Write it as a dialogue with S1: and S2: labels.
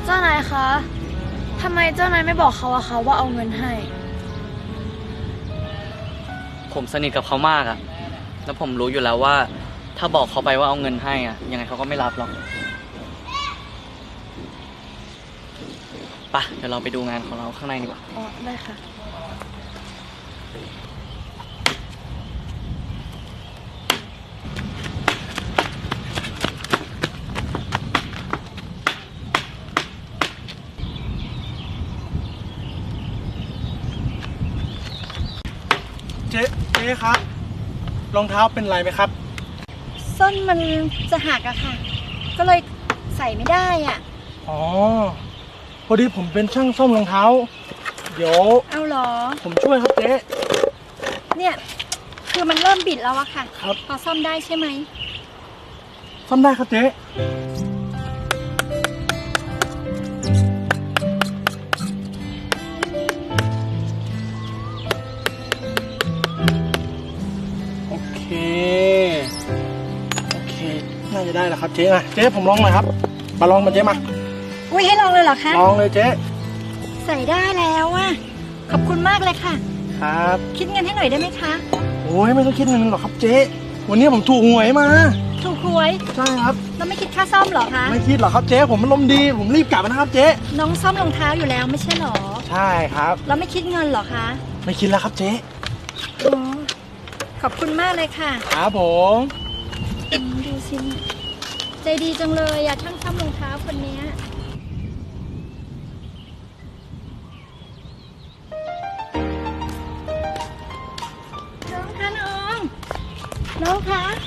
S1: เจ้านายคะทำไมเจ้านายไม่บอกเขาอะคะว่าเอาเงินให้
S2: ผมสนิทกับเขามากอะแล้วผมรู้อยู่แล้วว่า ถ้าบอกเขาไปว่าเอาเงินให้อะยังไงเขาก็ไม่รับหรอกไปเดี๋ยวเราไปดูงานของเราข้างในดีกว่า
S1: อ๋อ ได้ค่ะ
S3: เจ๊ครับรองเท้าเป็นไรไหมครับ
S4: ส้นมันจะหักอะค่ะ ก็เลยใส่ไม่ได้อะ
S3: อ๋อพอดีผมเป็นช่างซ่อมรองเท้า เดี๋ยว
S4: เอาเหรอ
S3: ผมช่วยครับเจ๊
S4: เนี่ย คือมันเริ่มบิดแล้วอะค่ะ
S3: ครับ
S4: พอซ่อมได้ใช่ไหม
S3: ซ่อมได้ครับเจ๊โอเคน่าจะได้แล้วครับเจ๊นะเจ๊ผมลองหน่อยครับมาลองมาเจ๊มา
S4: อุ้ยให้ลองเลยเหรอคะ
S3: ลองเลยเจ๊
S4: ใส่ได้แล้วอะขอบคุณมากเลยค่ะ
S3: ครับ
S4: คิดเงินให้หน่อยได้ไหมคะ
S3: โอ้ยไม่ต้องคิดเงินหรอกครับเจ๊วันนี้ผมถูกหวยมา
S4: ถูกหวย
S3: ใช่ครับ
S4: แล้วไม่คิดค่าซ่อมเหรอคะ
S3: ไม่คิดหรอกครับเจ๊ผมมันลมณ์ดีผมรีบกลับนะครับเจ๊
S4: น้องซ่อมรองเท้าอยู่แล้วไม่ใช่เหรอ
S3: ใช่ครับ
S4: แล้วไม่คิดเงินเหรอคะ
S3: ไม่คิดแล้วครับเจ๊
S4: อ๋อขอบคุณมากเลยค่ะ
S3: ครับผม
S4: ดูสิใจดีจังเลยอะช่างซ่อมรองเท้าคนเนี้ยน้องคะน้องคะ